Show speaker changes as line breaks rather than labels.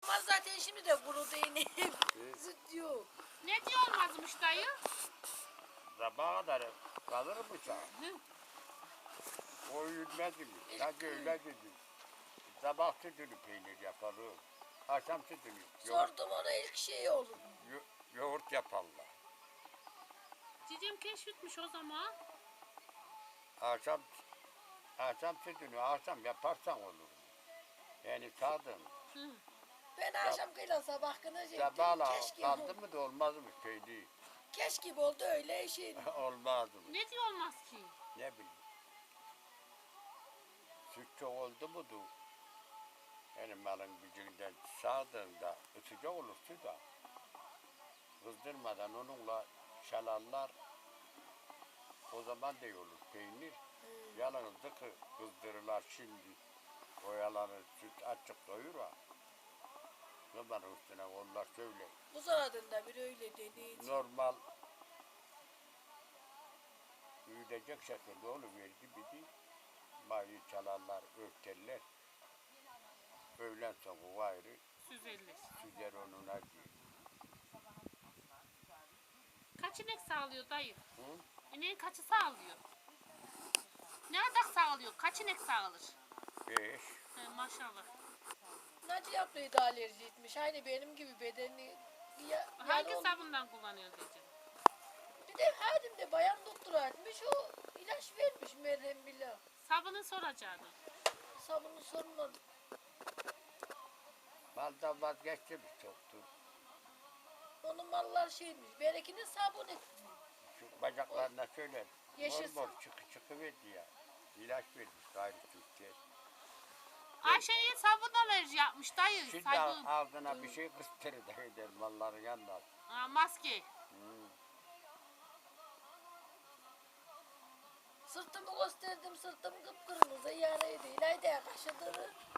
olmaz zaten şimdi de kurudu yine. Süt yok.
Ne diyor olmazmış dayı?
Sabaha kadar kalır mı sen?
Hı.
O yürümez mi? Sanki öyle dedi. Sabah sütünü peynir yapalım. Akşam sütünü
Sordum ona ilk şey olur.
yoğurt yaparlar.
Cicim keşfetmiş o zaman.
Akşam sütünü akşam yaparsan olur. Yani sağdın.
Hı.
Ben akşam kıyla sabah kınacaktım.
Sabahla
Keşke
kaldı mı da olmaz mı peynir?
keş gibi oldu öyle şey.
Olmaz mı?
Ne diyor olmaz ki?
Ne bileyim. Süt çok oldu mu da yani malın gücünden sağdığında sıcak olur süt da. Kızdırmadan onunla şalarlar o zaman da iyi olur peynir. Yalnız dıkı kızdırırlar şimdi. Oyalanır süt açık doyur ha. Zaman üstüne onlar söyle.
Bu zaradında bir öyle dedi.
Normal büyütecek şekilde oluverdi bir de mayı çalarlar, örterler. Öğlen sonra gayrı
Süzerler.
süzer onun acı.
Kaç inek sağlıyor dayı?
Hı?
İneğin kaçı sağlıyor? Ne adak sağlıyor? Kaç inek sağılır?
5.
Maşallah.
Naci yaptıydı alerji etmiş. Aynı benim gibi bedeni
Hangi sabundan kullanıyor diyeceğim?
Bir de hadim de bayan doktora etmiş. O ilaç vermiş merhem bile.
Sabunu soracaktı.
Sabunu sormadı.
Maldan vazgeçtim çoktur.
Onun mallar şeymiş. Berekinin sabun etmiş.
Şu bacaklarına söyler.
Yaşasın.
Mor mor çıkıverdi ya. İlaç vermiş gayrı Türkiye.
Ayşe'ye sabun alerji yapmış dayı.
Şimdi
Sabun.
ağzına bir şey kıstırır da eder malların yanına.
Maske.
Sırtımı gösterdim. Sırtım kıpkırmızı yaraydı. İlayda kaşıdırı.